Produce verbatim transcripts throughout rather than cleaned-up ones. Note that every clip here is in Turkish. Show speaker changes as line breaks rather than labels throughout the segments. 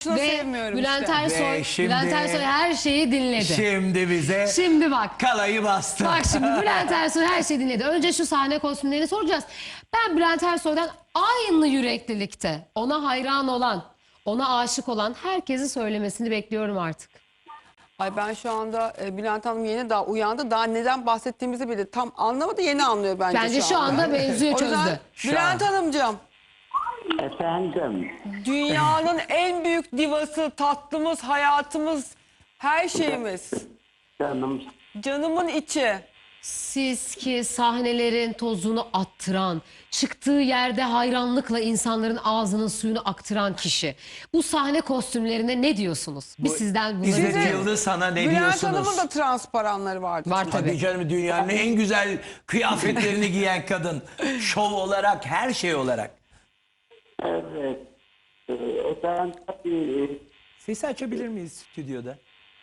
Şunu
Ve
sevmiyorum
Bülent
işte.
Ersoy,
Ve şimdi-
Bülent Ersoy her şeyi dinledi.
Şimdi bize
Şimdi bak.
kalayı bastı.
Bak şimdi Bülent Ersoy her şeyi dinledi. Önce şu sahne kostümlerini soracağız. Ben Bülent Ersoy'dan aynı yüreklilikte ona hayran olan, ona aşık olan herkesin söylemesini bekliyorum artık.
Ay ben şu anda e, Bülent Hanım yeni daha uyandı. Daha neden bahsettiğimizi bile tam anlamadı. Yeni anlıyor bence,
Bence şu anda mevzuyu
O yüzden
çözdü.
Şu
Bülent
an.
Hanımcığım,
Efendim,
dünyanın en büyük divası, tatlımız, hayatımız, her şeyimiz.
canım
Canımın içi.
Siz ki sahnelerin tozunu attıran, çıktığı yerde hayranlıkla insanların ağzının suyunu aktıran kişi. Bu sahne kostümlerine ne diyorsunuz? Biz
Bu
sizden bunu
İzzet
dinleyelim.
Yıldız sana ne
Bülent
diyorsunuz?
Hanım'ın da transparanları vardı.
Var
Tabii
tabii.
canım, dünyanın en güzel kıyafetlerini giyen kadın. Şov olarak, her şey olarak.
evet. Ee, efendim tabii
Sesi açabilir miyiz stüdyoda?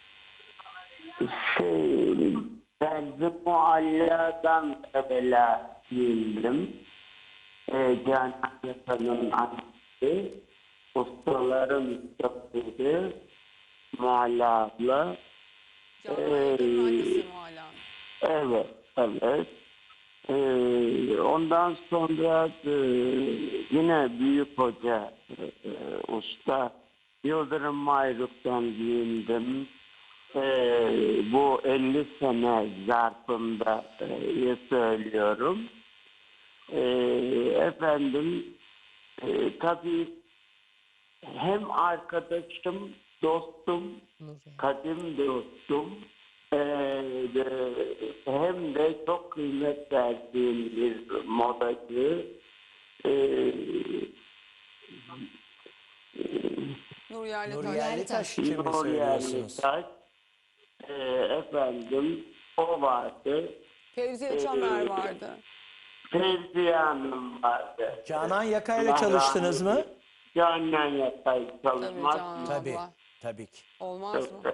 şey, ben de mualladan evvela giyindim. Ee, Canan Yakan'ın annesi, ustaların ustaları, Mualla abla.
Canan Yakan'ın annesi hala.
Evet, evet. Ee, ondan sonra e, yine büyük hoca e, e, usta Yıldırım Mayruk'tan giyindim. Ee, bu elli sene zarfında e, söylüyorum. Ee, efendim e, tabii hem arkadaşım, dostum, kadim dostum, ee, de, hem de çok kıymet verdiğim bir modacı. Ee,
Nur Yerli
Nur
Taş.
Yerlitaş için mi
Nur
söylüyorsunuz?
Yerlitaş, ee, efendim o vardı.
Fevziye Çamer vardı.
Fevziye Hanım vardı.
Canan Yaka'yla
Allah
çalıştınız
rahmet
mı?
eylesin. Canan Yaka'yla
Tabii
çalışmaz
Canan
mı?
Tabii,
abla.
tabii ki.
Olmaz mı?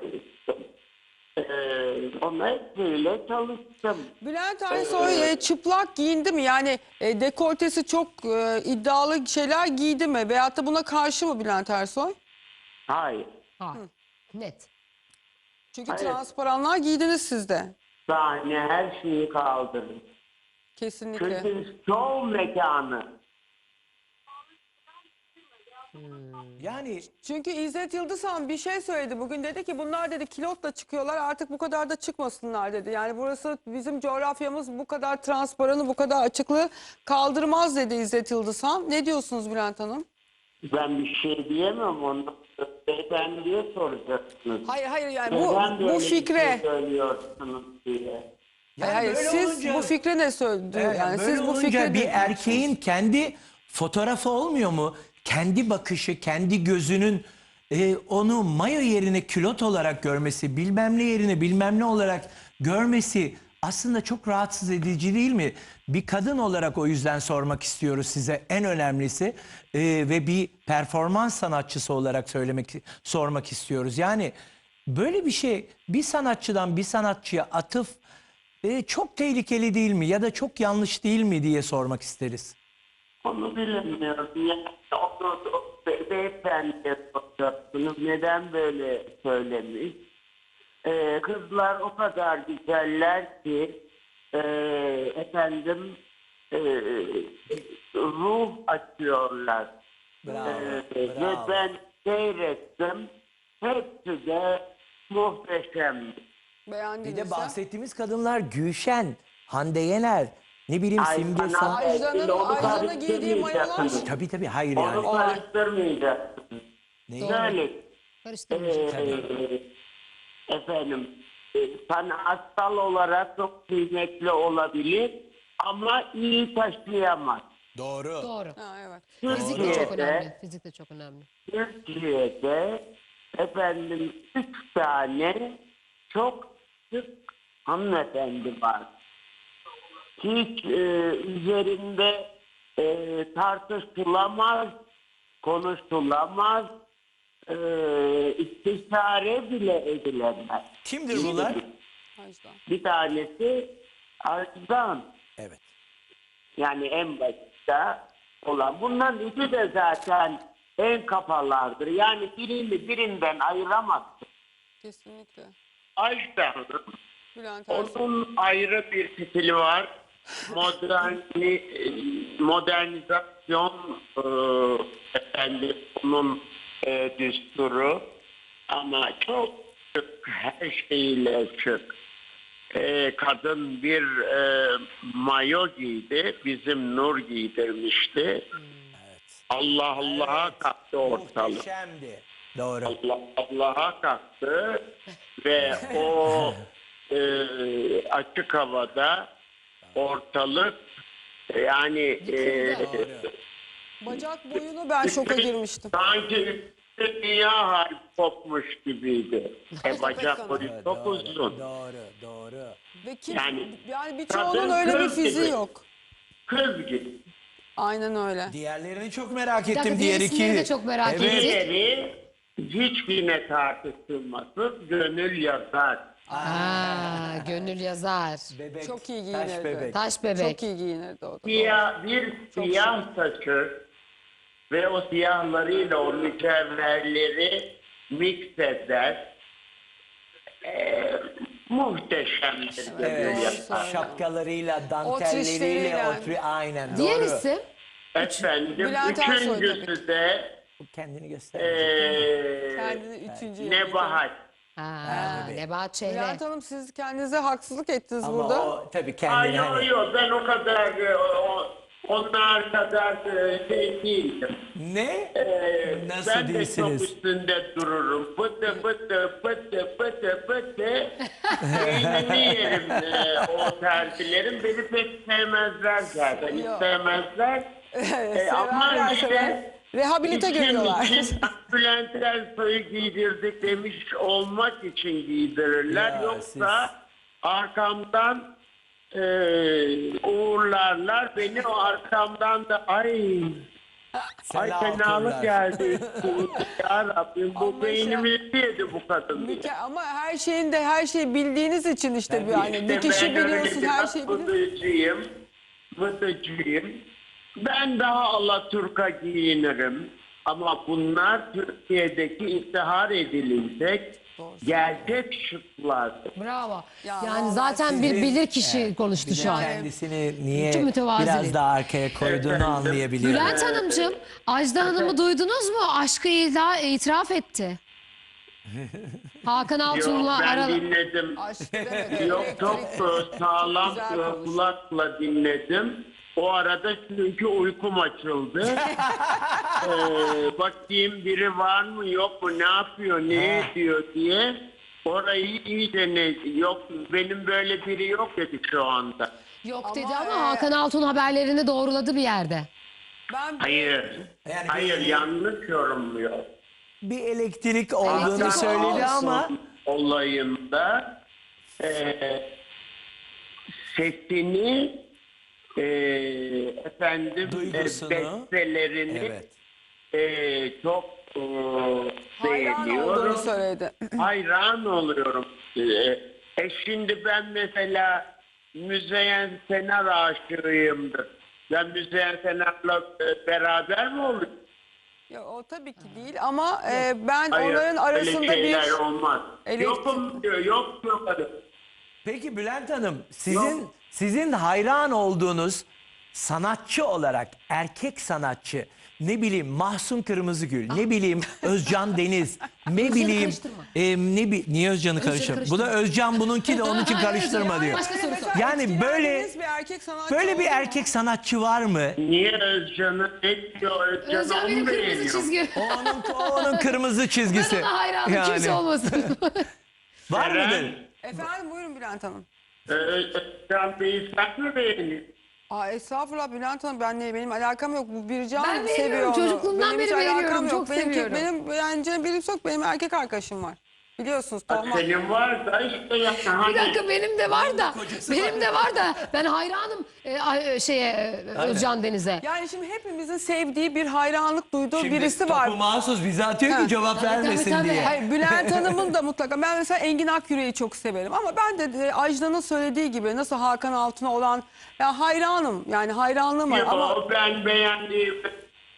Ee, ona hepsiyle çalıştım.
Bülent Ersoy e, çıplak giyindi mi? Yani e, dekoltesi çok e, iddialı şeyler giydi mi? Veyahut da buna karşı mı Bülent Ersoy?
Hayır.
Ha, net.
Çünkü
Hayır.
transparanlar giydiniz siz de.
Sahne her şeyi kaldırır.
Kesinlikle.
Çünkü şov mekanı.
Yani
Çünkü İzzet Yıldızhan bir şey söyledi. Bugün dedi ki bunlar dedi kilotla çıkıyorlar, artık bu kadar da çıkmasınlar dedi. Yani burası, bizim coğrafyamız bu kadar transparanı, bu kadar açıklığı kaldırmaz dedi İzzet Yıldızhan. Ne diyorsunuz Bülent Hanım?
Ben bir şey diyemem, onu beyefendiye soracaksınız.
Hayır hayır yani
Neden
bu,
böyle
bu
bir şey
fikre.
söylüyorsunuz diye.
yani
Hayır,
böyle
siz
olunca-
bu fikre ne söyledi?
Evet,
Yani
böyle
siz bu
olunca
fikre
bir
ne-
erkeğin kendi fotoğrafı olmuyor mu? Kendi bakışı, kendi gözünün e, onu mayo yerine külot olarak görmesi, bilmem ne yerine bilmem ne olarak görmesi aslında çok rahatsız edici değil mi? Bir kadın olarak o yüzden sormak istiyoruz size, en önemlisi E, ve bir performans sanatçısı olarak söylemek sormak istiyoruz. Yani böyle bir şey bir sanatçıdan bir sanatçıya atıf e, çok tehlikeli değil mi ya da çok yanlış değil mi diye sormak isteriz.
Onu bilemiyorum. Yani onu, o be- beyefendiye soracaksınız. Neden böyle söylemiş? Ee, kızlar o kadar güzeller ki e, efendim e, ruh açıyorlar.
Bravo,
Ee, ve
bravo.
ben seyrettim. Hepsi de muhteşem.
Bir
beğendiniz
de
ha?
bahsettiğimiz kadınlar Gülşen, Hande Yener, ne bileyim
Ay,
Simge
bana-
Sağ.
Ajda'nın
Onu
Ajda'nın giydiği mayolar.
karıştırmayacaksınız.
Tabii tabii, hayır
Onu
yani.
karıştırmayacaksınız.
Neyi?
Şöyle,
Karıştırmayacağız.
Ee, efendim e, sanatsal olarak çok kıymetli olabilir ama iyi taşıyamaz.
Doğru.
Doğru.
Ha, evet.
Fizik de çok
Türkiye'de,
önemli. Fizik de çok önemli.
Türkiye'de efendim üç tane çok sık hanımefendi var. Hiç e, üzerinde e, tartışılamaz, konuşulamaz, e, istişare bile edilemez.
Kimdir bunlar?
Ajda.
Bir tanesi Arzdan.
Evet.
Yani en başta olan. Bunların ikisi de zaten en kafalardır. Yani birini birinden ayıramazsın.
Kesinlikle.
Ajda Hanım,
Bülent Ersoy.
onun ayrı bir stili var. Moderni, modernizasyon e, efendim, onun e, düsturu. Ama çok şık, her şeyle şık. E, kadın bir e, mayo giydi, bizim Nur giydirmişti. Allah Allah'a kalktı ortalık.
Muhteşemdi. Doğru.
Allah Allah'a kalktı ve o e, açık havada ortalık yani e,
Bacak boyunu ben şoka girmiştim.
sanki dünya harbi kopmuş gibiydi. E, bacak boyu çok
Doğru,
uzun.
doğru, doğru.
Ve kim,
Yani
yani
kadın
birçoğunun öyle bir
kız
fiziği
gibi.
yok.
Kız gibi.
Aynen öyle.
Diğerlerini çok merak ettim.
dakika,
Diğer
diğer isimleri
iki.
de çok merak
Evet.
ettim.
Diğeri hiçbirine tartışılmasın, gönül yazar.
Aa, gönül yazar.
Bebek,
Çok iyi
taş
giyinirdi.
bebek.
Taş bebek.
Çok iyi giyinirdi o da.
Siyah, bir siyah saçı ve o siyahlarıyla o mücevherleri mix eder. Ee, muhteşemdir.
Evet,
gönül
doğru
yazar.
söylüyor.
şapkalarıyla,
O
dantelleriyle,
trişleriyle.
o tri aynen
Diğer
doğru.
isim?
Efendim,
Bülent Ersoy tabii
üçüncüsü de
Bu kendini göster.
ee,
Kendini üçüncü yapıyor.
Nebahat.
Ha, Nebahat Çehre.
Bülent Hanım siz kendinize haksızlık ettiniz
Ama
burada.
o tabii
Ay
kendini
yok
hani...
yok, ben o kadar e, o, onlar kadar e, şey değilim.
Ne?
Ee,
Nasıl
ben de çok
değilsiniz?
üstünde dururum. Pıtı pıtı pıtı pıtı pıtı. Beynimi yerim e, o terzilerin. Beni pek sevmezler zaten. Hiç
Yok.
sevmezler. Ee, ama
Severler,
işte
sever. Rehabilite
İçim
görüyorlar.
için Bülent Ersoy'u giydirdik demiş olmak için giydirirler.
Ya
Yoksa
siz-
arkamdan e, uğurlarlar. Beni o arkamdan da ay ay
Sela
fenalık
okurlar.
geldi. Ya Rabbim bu
Ama
beynimi yedi bu kadın.
Müke- ama her şeyin de her şeyi bildiğiniz için işte bu yani.
İşte
Dikişi
ben öyle
biliyorsun,
biraz
her şeyi biliyorsun.
Vıdıcıyım. Vıdıcıyım. Ben daha Alaturka giyinirim. Ama bunlar Türkiye'deki iftihar edilecek gerçek şıklardır.
Bravo.
Ya
yani
vallahi
zaten bir
Sizin-
bilir kişi
Evet,
konuştu
bir de
şu an.
kendisini niye
Çok mütevazi
biraz
değil.
daha arkaya koyduğunu
Efendim?
anlayabiliyorum.
Bülent Hanımcığım, Ajda Hanım'ı duydunuz mu? Aşkı ila itiraf etti. Hakan
Yok,
Altun'la
ben
ara...
dinledim.
Aşk demedi.
Yok, çok
Elektrik-
e, sağlam
güzel
e,
konuştu.
kulakla dinledim. O arada çünkü uykum açıldı. ee, bakayım biri var mı yok mu, ne yapıyor, ne ediyor diye. Orayı iyice ne, yok benim böyle biri yok dedi şu anda.
Yok
Ama,
dedi ama
e,
Hakan Altun haberlerini doğruladı bir yerde.
Ben
Hayır,
Yani
hayır
bir-
yanlış yorumluyor.
Bir elektrik olduğunu
Elektrik
söyledi
olsun.
ama
Olayında e, sesini e, efendim e,
Duygusunu.
bestelerini
evet.
e, çok e,
hayran olduğunu
beğeniyorum.
söyledi.
Hayran oluyorum. E, e şimdi ben mesela Müzeyyen Senar aşığıyımdır. Ben Müzeyyen Senar'la e, beraber mi oluyorum?
Ya, o tabii ki değil ama e, ben
Hayır,
onların arasında
öyle şeyler
bir
olmaz.
elektrik-
Yokum diyor, yok yok.
Peki Bülent Hanım, sizin
Yok.
sizin hayran olduğunuz sanatçı olarak erkek sanatçı, ne bileyim Mahsun Kırmızıgül, ne bileyim Özcan Deniz, ne bileyim
karıştırma.
e, ne bi niye Özcan'ı karıştırma? Bu da Özcan bununki de onun için
Hayır,
karıştırma
Özcan,
diyor.
başka soru sor.
Yani böyle
etkilendiğiniz bir erkek sanatçı
böyle bir
oldu mu?
erkek sanatçı var mı?
Niye Özcan'ı etmiyor? Özcan,
Özcan
onu
benim kırmızı
beğeniyor.
çizgi.
O onun, o onun kırmızı çizgisi.
Ben ona hayranım kimse olmasın.
Var
Eren,
mıdır?
Efendim buyurun Bülent Hanım.
e, Özcan Bey'i sen mi beğeniyorsun?
Aa, estağfurullah Bülent Hanım, ben ne, benim alakam yok. Bu Bircan
Ben
seviyor
beğeniyorum,
onu.
çocukluğumdan
Benim
beri
hiç alakam
beğeniyorum,
yok.
çok
benim,
seviyorum.
Benim beğeneceğim birisi yok. Benim erkek arkadaşım var. Biliyorsunuz Tohma.
Senin var da işte yani
Bir
hani
dakika benim de var da. Benim de var da. Ben hayranım e, ay- şeye e, Özcan Deniz'e.
Yani şimdi hepimizin sevdiği bir hayranlık duyduğu
Şimdi
birisi var.
topu mahsus bize atıyor
Ha.
ki cevap
Tabii, tabii,
vermesin
tabii.
diye.
Hayır, Bülent Hanım'ın da mutlaka. Ben mesela Engin Akyürek'i çok severim. Ama ben de e, Ajda'nın söylediği gibi nasıl Hakan Altun'a olan ya hayranım. Yani hayranlığım var
yok,
ama
ben beğendiğim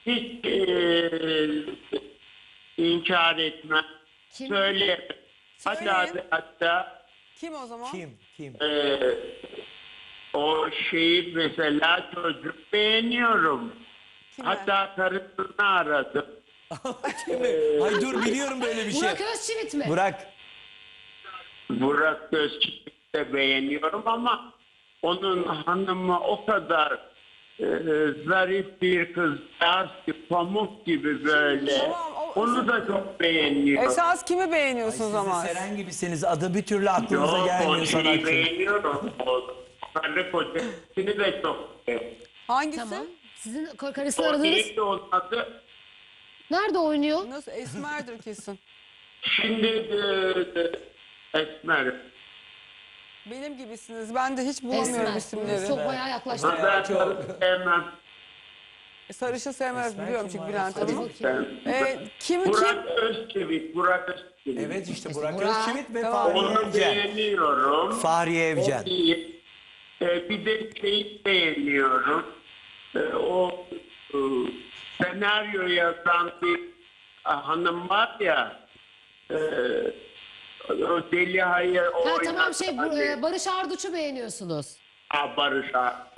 hiç eee inkar etmem.
Kim?
Söyle. Hatta
Söyleyin.
hatta
Kim o zaman?
Kim? Kim?
eee, o şeyi mesela çocuk beğeniyorum.
Kime?
Hatta karısını aradım.
Ay dur biliyorum böyle bir şey.
Burak Özçivit mi?
Burak.
Burak Özçivit'i de beğeniyorum ama onun hanımı o kadar e, zarif bir kızcağız ki pamuk gibi böyle.
Tamam, o-
Onu da çok beğeniyorum.
Esas kimi
Ay,
beğeniyorsunuz
siz de
ama?
Seren gibisiniz. Adı bir türlü aklınıza
Yok,
gelmiyor
o şeyi
sanatçı.
beğeniyorum. O karı kocasını da çok beğeniyorum.
Hangisi?
Tamam. Sizin kar- karısını
O
aradınız.
neydi onun adı?
Nerede oynuyor?
Nasıl? Esmer'dir kesin.
Şimdi e, e, Esmer.
Benim gibisiniz. Ben de hiç bulamıyorum
Esmer.
isimleri.
Çok bayağı yaklaştı.
Ben karı sevmem.
E, Sarışın sevmez
Esmer
biliyorum
kim
çünkü
var?
Bülent
Hadi
Hanım'ı.
bakayım.
Ben,
E, kim kim?
Burak Özçivit, Burak Özçivit.
Evet işte Burak
Burak.
Özçivit ve
Tamam.
Fahriye
Onu
Evcen.
beğeniyorum.
Fahriye Evcen.
O iyi. Ee, bir de şeyi beğeniyorum. Ee, o e, senaryo yazan bir e, hanım var ya. E, o Deli Hayır o
Ha tamam şey bu,
oynadı.
e, Barış Arduç'u beğeniyorsunuz.
Ha, Barış Ar-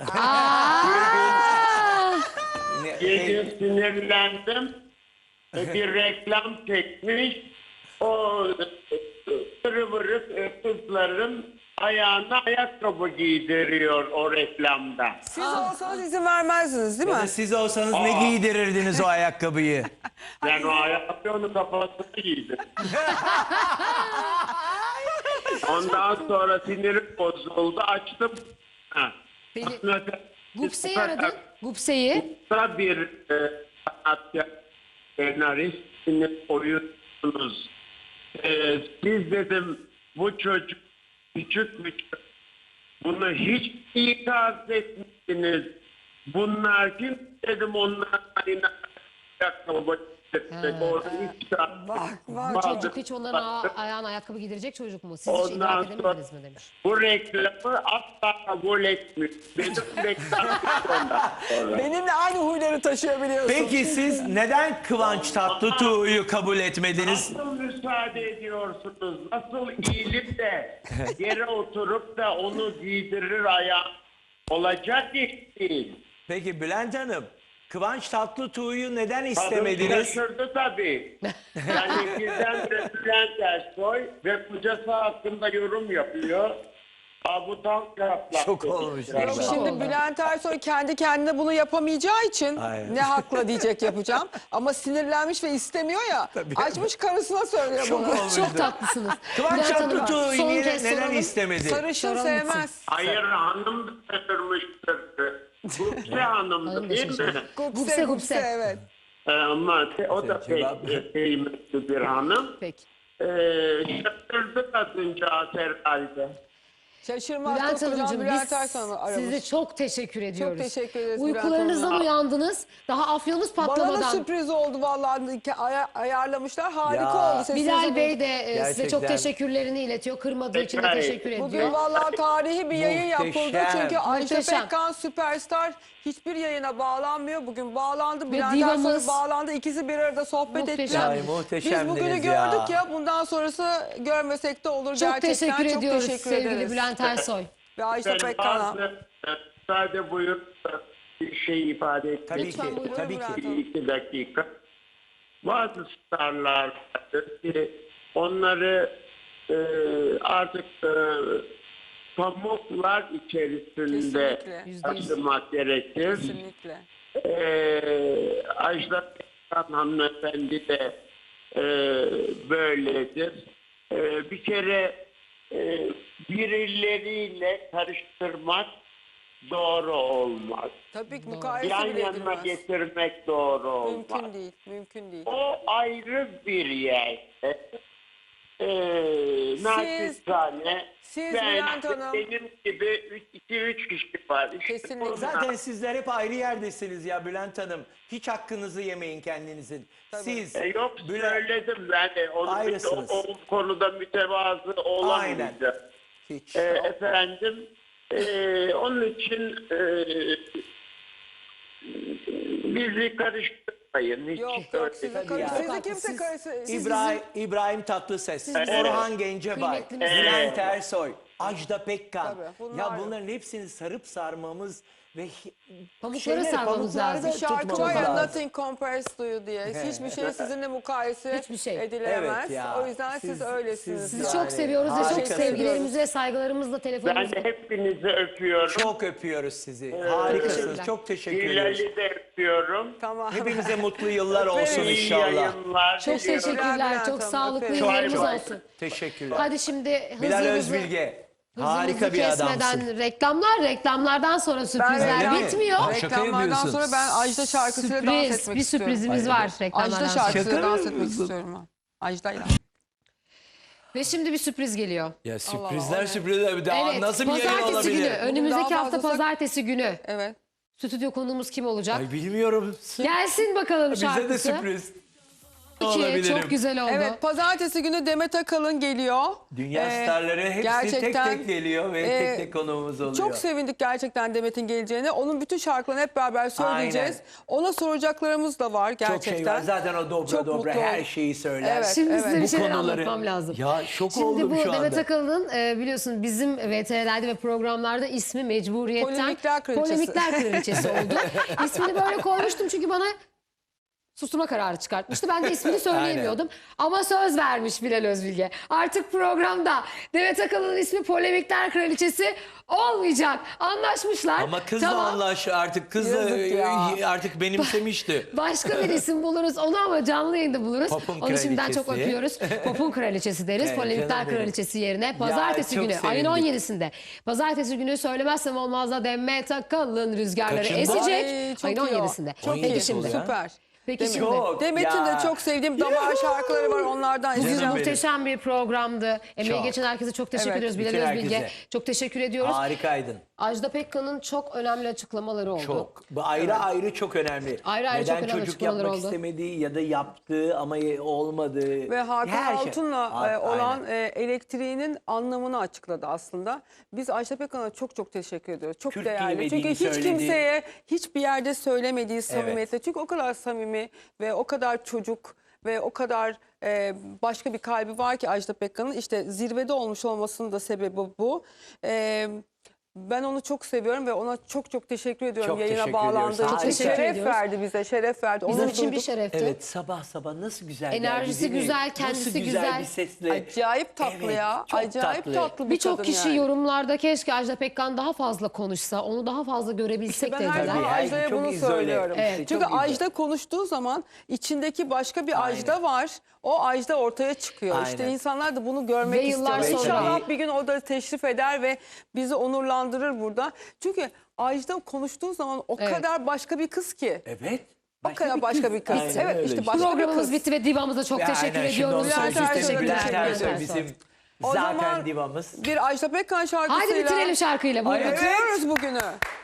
Aa!
Ne-
Gece sinirlendim. E, bir reklam çekmiş. O vırı vırı kızların ayağına ayakkabı giydiriyor o reklamda.
Siz olsanız izin vermezdiniz değil
Ya da
mi?
siz olsanız ne giydirirdiniz o ayakkabıyı?
Ben o ayakkabı onun kafasına giydim. Ondan sonra sinirim bozuldu. Açtım. Ha.
Beni-
Aslında-
Gupse'yi aradın. Gupse'yi.
Gupse bir e, sanatçı, senaristsiniz, oyuncusunuz. E, siz dedim bu çocuk küçük bir çocuk. Bunu hiç ikaz etmişsiniz. Bunlar kim dedim onlar aynı ayakkabı getirmek. Orada üç tane
Bak bak.
Bu
vardı.
çocuk hiç onların a- ayağına ayakkabı giydirecek çocuk mu? Siz hiç
Ondan
idrak
sonra-
edemediniz mi demiş.
Bu reklamı asla kabul etmiyor. Benim reklam ondan sonra.
Benimle aynı huyları taşıyor biliyorsun.
Peki siz neden Kıvanç Tatlıtuğ'u kabul etmediniz?
Nasıl müsaade ediyorsunuz? Nasıl eğilip de yere oturup da onu giydirir ayağı? Olacak iş değil.
Peki Bülent Hanım, Kıvanç Tatlıtuğ'u neden
Kadın
istemediniz?
şaşırdı tabii. Yani birdenbire Bülent Ersoy ve kocası hakkında yorum yapıyor. Aa, bu tam cevaplar.
Şok olmuş.
Yok
vallahi.
şimdi
oldu.
Bülent Ersoy kendi kendine bunu yapamayacağı için
Aynen.
ne hakla diyecek yapacağım. Ama sinirlenmiş ve istemiyor ya.
Tabii.
Açmış karısına söylüyor
Şok
bunu.
olmuş.
Çok tatlısınız.
Kıvanç
Bülent Hanım,
Tatlıtuğ'u
son
niye-
kez
neden
soralım.
istemedi?
Sarışın
Soralım
sevmez.
Hayır, hanım da şaşırmıştır. Gupse hanımdı
Hanım da
değil mi?
şaşırdı.
Gupse
Gupse,
gupse,
gupse.
evet.
Ee, Ama o da
Cevap-
pek kıymetli bir hanım.
Peki.
Ee, şaşırdı kadıncağız herhalde.
Şaşırmaz
Bülent
koskocaman
Hanımcığım
Bülent
biz
Ersoy'u aramış.
size çok teşekkür ediyoruz.
teşekkür ederiz Bülent
Uykularınızdan
Hanım.
uyandınız. Daha afyonunuz
Bana da
patlamadan.
sürpriz oldu vallahi. Ki aya- ayarlamışlar. Harika
Ya.
oldu. Sesinizi
Bilal
duydum.
Bey de e, size çok
Gerçekten.
teşekkürlerini iletiyor. Kırmadığı için de
Peki.
teşekkür ediyor.
Bugün vallahi tarihi bir yayın yapıldı.
Muhteşem.
Çünkü Ayşe
Muhteşem.
Pekkan Süperstar hiçbir yayına bağlanmıyor. Bugün bağlandı. Bülent
divamız-
Ersoy bağlandı. İkisi bir arada sohbet
Muhteşem.
ettiler.
Ay,
Biz
muhteşemdiniz
bugünü
ya.
gördük ya. Bundan sonrası görmesek de olur.
Çok
Gerçekten
teşekkür
çok
ediyoruz
teşekkür
sevgili
ederiz.
Bülent Ersoy.
Ve Ayşe
Ben
Pekkan'a.
bazı müsaade buyur bir şey ifade etmek
Tabii
Lütfen
ki,
buyurun
tabii
Bülent
ki.
Hanım.
iki dakika. Bazı starlar vardır ki onları e, artık e, pamuklar içerisinde
Kesinlikle.
Yüzde yüz.
taşımak gerekir.
Kesinlikle.
E, Ajda Pekkan hanımefendi de e, böyledir. E, bir kere e, birileriyle karıştırmak doğru olmaz.
Tabii ki mukayese
Yan
bile
yanına
edilmez.
getirmek doğru olmaz.
Mümkün değil. Mümkün değil.
O ayrı bir yer. Ee, naçizane
siz
ben,
Bülent Hanım-
benim gibi iki üç kişi var. İşte
Kesinlikle.
onlar-
Zaten sizler hep ayrı yerdesiniz ya Bülent Hanım. Hiç hakkınızı yemeyin kendinizin.
Tabii.
Siz
E, yok
Bülent...
söyledim ben de. Onun
Ayrısınız.
o, o konuda mütevazı olamayacağım.
Hiç.
E, efendim e, onun için e, bizi karıştırmak karışmayın. Hiç
Yok
öyle
yok sizi,
değil.
karı-
ya.
sizi kimse
Siz-
karısı... siz-
İbrahim, İbrahim Tatlıses,
bizim
Orhan Gencebay,
kıymetli
Bülent Ersoy, Ajda Pekkan.
Tabii, bunlar
ya
yok.
bunların hepsini sarıp sarmamız ve hi-
Pamukları
şeyleri,
sarmamız
pamuklarda
lazım.
Bir şarkı
tutmamız
var ya
lazım.
nothing compares to you diye. Hiçbir şey sizinle mukayese
Hiçbir şey.
edilemez.
Evet ya.
O yüzden siz,
Siz-
öylesiniz.
siz-
Sizi
yani.
çok seviyoruz ve çok
harikasınız.
sevgilerimizi ve saygılarımızla
Ben
telefonumuzu...
de hepinizi öpüyorum.
Çok öpüyoruz sizi. Harikasınız.
Teşekkürler.
Çok teşekkür ediyoruz.
Hilal'i de öpüyorum.
Tamam.
Hepimize mutlu yıllar olsun
İyi
inşallah.
yayınlar
Çok
diliyorum.
teşekkürler.
Bülent
Çok
Hanım,
sağlıklı
öperim.
yıllarımız
Çok-
olsun.
Teşekkürler.
Hadi şimdi hızlı
Bilal
hızlı...
Özbilge.
Hızlı
Harika
hızlı
bir
kesmeden
adamsın.
reklamlar, reklamlardan sonra sürprizler
Öyle mi?
bitmiyor.
Aa, şaka
Reklamlardan
yapıyorsun.
sonra ben Ajda şarkısıyla dans
Sürpriz,
etmek
bir
istiyorum.
sürprizimiz var reklamlardan
Ajda
sonra.
şarkısıyla
Şaka mı
dans etmek
yapıyorsun?
istiyorum ben. Ajda'yla.
Ve şimdi bir sürpriz geliyor.
Ya
Allah,
sürprizler
o ne?
sürprizler bir daha
Evet,
nasıl bir yayın
pazartesi
olabilir?
günü, önümüzdeki
daha
hafta
fazlası-
pazartesi günü
Evet.
stüdyo konuğumuz kim olacak?
Ay bilmiyorum.
Gelsin bakalım
Bize
şarkısı.
de sürpriz.
İki,
olabilirim.
çok güzel oldu.
Evet, pazartesi günü Demet Akalın geliyor.
Dünya
Ee,
starları hepsi
gerçekten,
tek tek geliyor ve
e,
tek tek konuğumuz oluyor.
Çok sevindik gerçekten Demet'in geleceğine. Onun bütün şarkılarını hep beraber söyleyeceğiz. Ona soracaklarımız da var gerçekten.
Çok şey var. Zaten o dobra
Çok
dobra
mutlu
her
oldum.
şeyi söyler.
Evet.
Şimdi size bir
Bu
şeyler
konuları-
anlatmam lazım.
Ya şok
Şimdi
oldum
bu
şu anda.
Demet Akalın'ın e, biliyorsun bizim V T R'lerde ve programlarda ismi mecburiyetten
Polemikler Kraliçesi.
Polemikler Kraliçesi oldu. İsmini böyle koymuştum çünkü bana susturma kararı çıkartmıştı. Ben de ismini söyleyemiyordum. Ama söz vermiş Bilal Özbilge. Artık programda Demet Akalın'ın ismi Polemikler Kraliçesi olmayacak. Anlaşmışlar.
Ama kızla
Tamam.
anlaş artık kızla
Yazık ya.
e, artık benimsemişti.
Başka bir isim buluruz onu ama canlı yayında buluruz.
Pop'un
Onu şimdiden çok
kraliçesi.
öpüyoruz. Pop'un kraliçesi deriz.
Evet,
Polemikler
canım benim.
kraliçesi yerine. Pazartesi
çok
günü ayın
sevindik.
on yedisinde. Pazartesi günü söylemezsem olmaz da Demet Akalın rüzgarları
Kaçında?
esecek.
Ay, çok
ayın
iyi o.
on yedisinde.
Çok
on
Peki
yedisi
şimdi.
oluyor.
Süper.
Peki
Demet.
şimdi.
Çok.
Demet'in
Ya.
de çok sevdiğim damar şarkıları var onlardan.
Canım
izleyeceğim.
benim.
Muhteşem bir programdı. Emeği
Çok.
geçen herkese çok teşekkür
Evet,
ediyoruz. Bilal
bütün
Özbilge.
herkese.
Çok teşekkür ediyoruz.
Harikaydın.
Ajda Pekkan'ın çok önemli açıklamaları oldu.
Çok. Bu ayrı ayrı çok önemli.
Ayrı ayrı
Neden
çok önemli
çocuk
açıklamalar
yapmak
oldu.
istemediği ya da yaptığı ama olmadığı.
Ve Hakan
her şey.
Altun'la
A-
e, olan
aynen.
e, elektriğinin anlamını açıkladı aslında. Biz Ajda Pekkan'a çok çok teşekkür ediyoruz. Çok
Türk
değerli.
bilmediğini
Çünkü hiç
söyledi.
kimseye hiçbir yerde söylemediği samimiyetle. Çünkü o kadar samimi ve o kadar çocuk ve o kadar e, başka bir kalbi var ki Ajda Pekkan'ın. İşte zirvede olmuş olmasının da sebebi bu. E, Ben onu çok seviyorum ve ona çok çok teşekkür ediyorum
Çok
yayına
teşekkür
bağlandığı
ediyoruz.
için.
Harika.
Şeref
ediyoruz.
verdi bize, şeref verdi.
Bizim
Onur
için bir
duyduk.
şerefti.
Evet sabah sabah nasıl güzel
Enerjisi
geldi, değil mi?
güzel, kendisi
nasıl güzel.
güzel.
bir sesle.
Acayip tatlı
Evet,
ya.
çok
Acayip tatlı,
tatlı.
bir
Birçok
kadın
kişi
yani.
yorumlarda keşke Ajda Pekkan daha fazla konuşsa, onu daha fazla görebilsek
Ben her
dediler.
zaman
Tabii, her-
Ajda'ya
çok
bunu
izole.
söylüyorum.
Evet,
Çünkü
çok izole.
Ajda konuştuğu zaman içindeki başka bir Ajda var. O Ajda ortaya çıkıyor.
Aynen.
İşte insanlar da bunu görmek
Ve yıllar
istiyor.
sonra-
İnşallah bir gün o da teşrif eder ve bizi onurlandırır burada. Çünkü Ajda konuştuğu zaman o
Evet.
kadar başka bir kız ki.
Evet.
O kadar başka bir kız.
Aynen
Evet
öyle
işte
işte.
başka bir
Programımız
kız.
bitti ve divamıza çok
Ve
teşekkür
aynen, şimdi
ediyoruz.
onu
Bülent
söyleyecektim.
Ersoy'a
Bülent
teşekkür
Ersoy
ederim.
bizim
O
zaten
zaman
divamız.
Bir Ajda Pekkan şarkısıyla
Haydi bitirelim şarkıyla. Buyurun.
Ay, evet.
bitiriyoruz bugünü.